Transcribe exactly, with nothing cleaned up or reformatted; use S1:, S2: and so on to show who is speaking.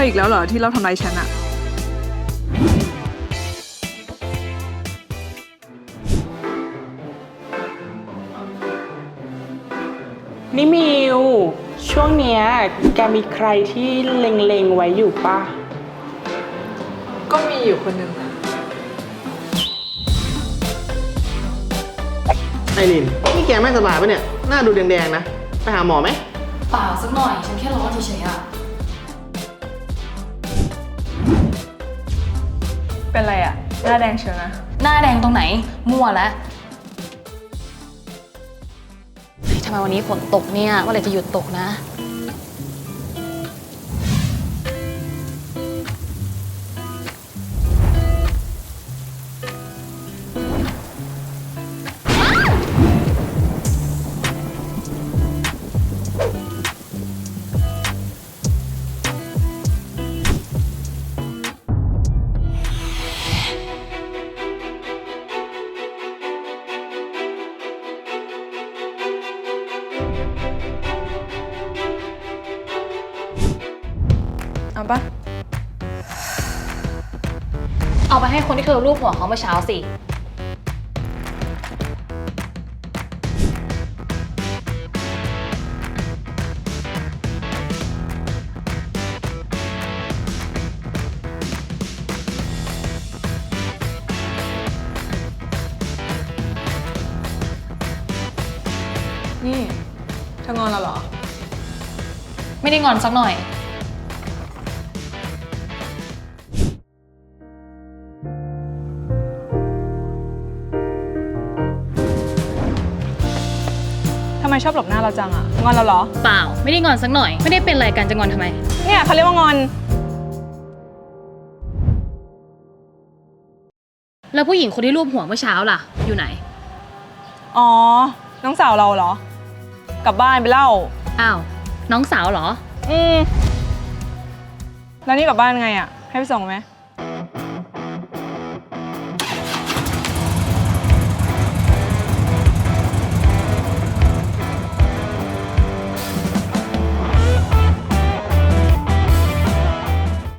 S1: อีกแล้วเหรอที่เราทำร้ายฉันอะ
S2: นี่มิวช่วงเนี้ยแกมีใครที่เล็งๆไว้อยู่ปะ
S1: ก็มีอยู่คนหนึ่ง
S3: ไอรินนี่แกไม่สบายปะเนี่ยหน้าดูแดงๆนะไปหาหมอไหม
S4: เปล่าสักหน่อยฉันแค่ร้อนเฉยๆอะ
S1: เป็นไรอะหน้าแดงเชียวนะ
S4: หน้าแดงตรงไหนมั่วแล้วทำไมวันนี้ฝนตกเนี่ยเมื่อไหร่จะหยุดตกนะ
S1: เอาปะ
S4: เอาไปให้คนที่เธอรูปหัวเขาเมื่อเช้าสิ
S1: นี่เธองอนเราเหรอ
S4: ไม่ได้งอนสักหน่อย
S1: ทำไมชอบหลบหน้าเราจังอะงอนเราเหรอ
S4: เปล่าไม่ได้งอนสักหน่อยไม่ได้เป็นอะไรกันจะงอนทำไม
S1: เนี่ยเขาเรียกว่างอน
S4: แล้วผู้หญิงคนที่รูปหัวเมื่อเช้าล่ะอยู่ไหน
S1: อ๋อน้องสาวเราเหรอ กลับบ้านไปเล่า
S4: อ้าวน้องสาวเหรอ
S1: อืมแล้วนี่กลับบ้านไงอะให้ไปส่งไหม